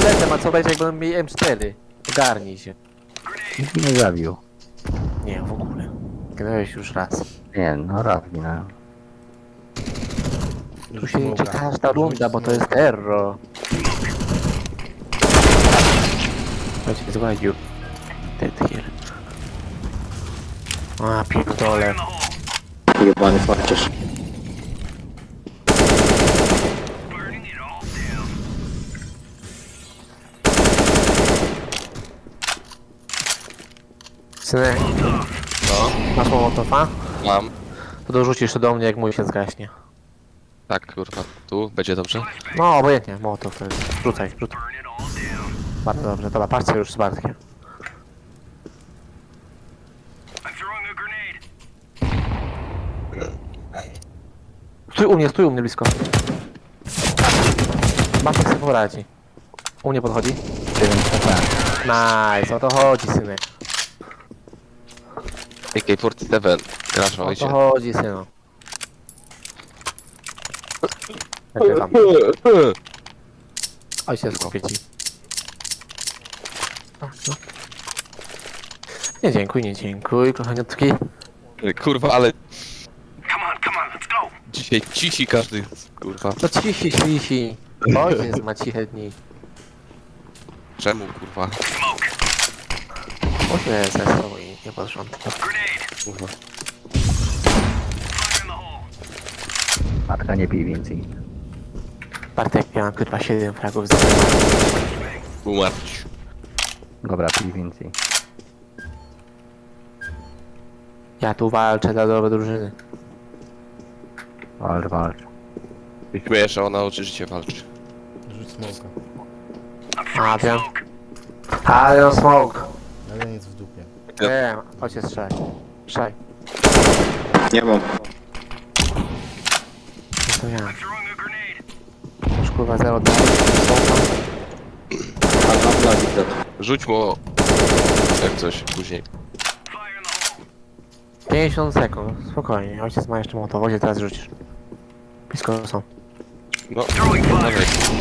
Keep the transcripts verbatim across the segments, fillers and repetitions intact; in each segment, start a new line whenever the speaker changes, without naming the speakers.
pistoletem, a co będzie jak będą mieli M cztery? Ogarnij się.
Nikt mnie nie zabił.
Nie, w ogóle. Grałeś już raz.
Nie, no raz ginąłem.
Tu się liczy każda runda, bo to jest erro. Chodźcie, zgładził. Dead here. A, pierdolę.
Jebany farciarz.
Synek,
No,
masz mołotowa?
mam.
To dorzucisz to do mnie, jak mój się zgaśnie.
Tak, kurwa, tu będzie dobrze.
No, obojętnie, mołotow to jest. Rzucaj, rzucaj. Bardzo dobrze, dobra, patrzcie już z Bartkiem. Stój u mnie, stój u mnie blisko. Bartek sobie poradzi. U mnie podchodzi. Nice, o to chodzi, synek.
A K czterdzieści siedem, grasz w
O to
ojcie.
chodzi, synu. Nagrywam. Ojciec kupię ci. A, no. Nie dziękuj, nie dziękuj, kochaniutki.
Kurwa, ale... Dzisiaj cisi każdy, kurwa.
To cichi, cichi. Ojciec ma ciche dni.
Czemu, kurwa?
Ojciec ze sobą i nie porządku.
Kurwa.
Matka nie pij więcej.
Bartek miał kurwa siedem fragów za
Umarć.
Dobra, pij więcej.
Ja tu walczę dla dobra drużyny.
Walcz, walcz.
Ty śmiejesz, że ona oczywiście walczy.
Rzuć smoka.
A, wiem. Ale no smoke.
Jeden jest w dupie.
Wiem, ojciec strzelaj. Strzelaj.
Nie mam.
No to ja. Już kurwa zero dwa.
A mam na widzę.
Rzuć mu... Jak coś, później.
pięćdziesiąt sekund, spokojnie. Ojciec ma jeszcze motowozie, teraz rzucisz. Blisko są.
No, dawaj.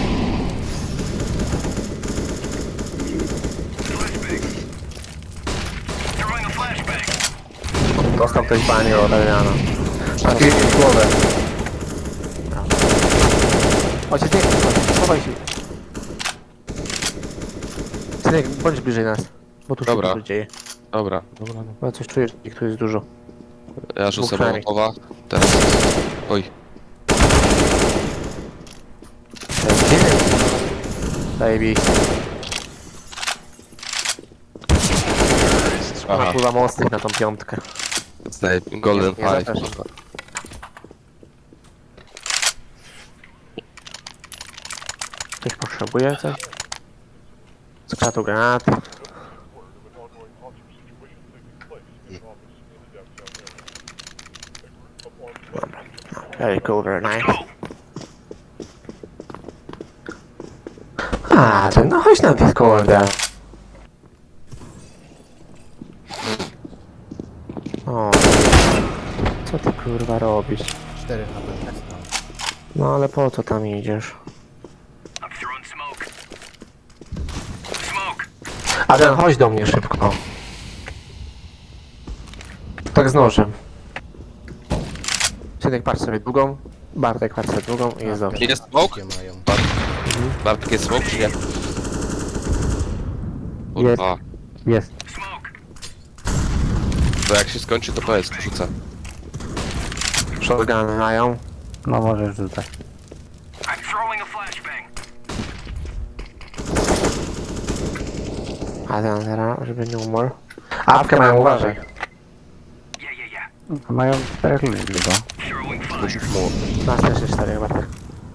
Dostał ktoś banie od Adriana. Trafiłeś w głowę. Brawo. Ojciec, nie, schowaj się. Synek, bądź bliżej nas. Bo tu się
Dobra.
dużo dzieje.
Dobra, dobra, dobra.
Bo coś czujesz, że tu jest dużo.
Ja rzucę
Dwóch przynajmniej.
mołotowa. Teraz... Oj.
Zajebiście.
Aha,
Napływa mostek na tą piątkę.
zdaję Golden
Nie, nie
Five.
zapraszam. Ktoś potrzebuje coś? Skrzatu granaty. Dobra. Very cool, very nice. A, to no chodź na Discorda. O, co ty kurwa robisz?
cztery H P dostał.
No ale po co tam idziesz? Adrian, chodź do mnie szybko. Tak z nożem. Synek, patrz sobie długą. Bartek, patrz sobie długą i jest dobrze.
Jest smoke?
Jakie mają?
Bartek jest smoke, czy nie? Kurwa.
Jest.
To jak się skończy, to powiedz, rzucę.
Shotguny mają.
No możesz rzucać.
Adrian, zaraz, żeby nie umarł. Apkę mają, uważaj.
Mają czterech ludzi tylko.
Rzuć mu.
Nas też jest cztery, Bartek.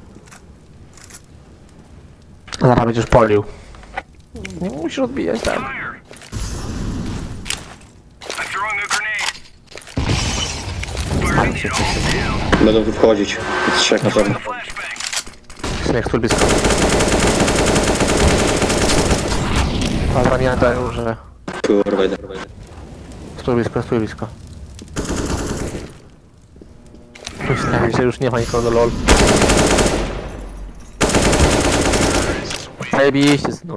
Zaraz będziesz polił. Nie musisz odbijać, tak. Spali się wszyscy.
Będą tu wchodzić. Jest trzech na pewno.
Synek, stój blisko. Dobra, nie dają, że...
Kurwa, idę.
Stój blisko, stój blisko. Myślałem, że już nie ma nikogo, lol. Zajebiście, synu.